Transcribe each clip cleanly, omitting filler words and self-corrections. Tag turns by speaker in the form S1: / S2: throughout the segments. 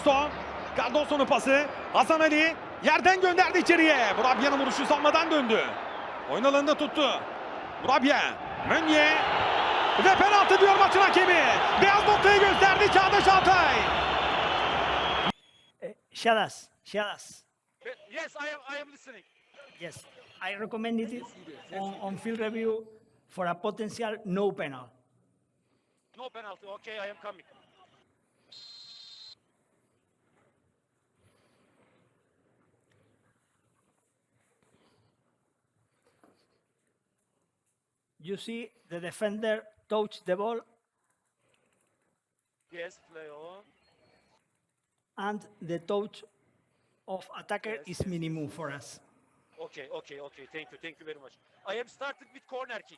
S1: Cardoso. Cardoso'nun pası. Hasan Ali yerden gönderdi içeriye. Burabya'nın vuruşu savunmadan döndü. Oyun alanında tuttu. Burabya. Meunier. Ve penaltı diyor maçın hakemi. Beyaz noktayı gösterdi Çağdaş Altay.
S2: Shadas.
S3: Yes, I am listening.
S2: Yes, I recommended it on field review for a potential no penalty.
S3: No penalty. Okay, I am coming.
S2: You see the defender touch the ball
S3: Yes, play on.
S2: and the touch of attacker
S3: Yes,
S2: is
S3: yes,
S2: minimum for us.
S3: Okay. Thank you very much. I am started with corner kick.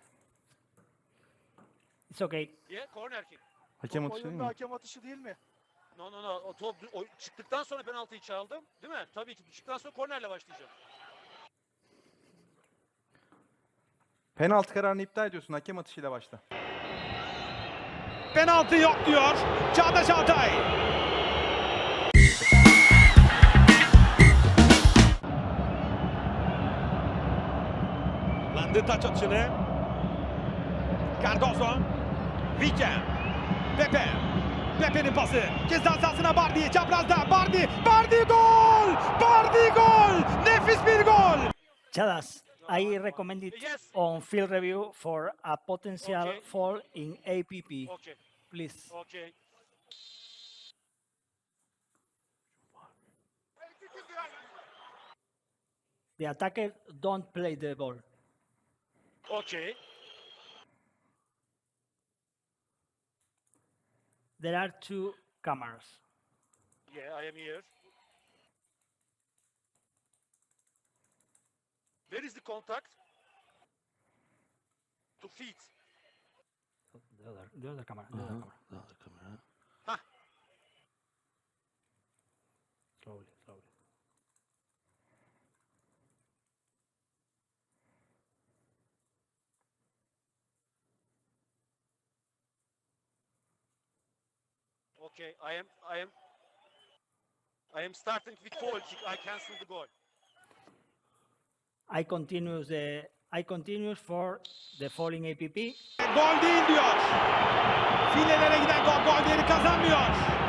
S2: It's okay.
S3: Yeah, corner kick.
S4: Hakem atışı değil mi?
S5: Hakem atışı değil mi?
S3: No. O top çıktıktan sonra penaltıyı çaldım. Değil mi? Tabii ki çıktıktan sonra kornerle başlayacağım.
S4: Penaltı kararını iptal ediyorsun. Hakem atışıyla başla.
S1: Penaltı yok diyor Çağdaş Altay. Landı taç atışını. Cardoso. Vica. Pepe. Pepe'nin pası. Ceza sahasına Bardi. Çaprazda Bardi. Bardi gol! Bardi gol! Nefis bir gol!
S2: Chadas, I recommend it
S3: Yes.
S2: on field review for a potential
S3: Okay.
S2: fall in APP.
S3: Okay.
S2: Please.
S3: Okay.
S2: The attacker don't play the ball.
S3: Okay.
S2: There are two cameras.
S3: Yeah, I am here. Where is the contact? To feet.
S2: The other camera. The other camera.
S3: Hah.
S2: Slowly.
S3: Okay, I am starting with foul kick. I cancel the goal.
S2: I continue for the falling APP.
S1: Gol değil diyor. Filelere giden gol değeri kazanmıyor.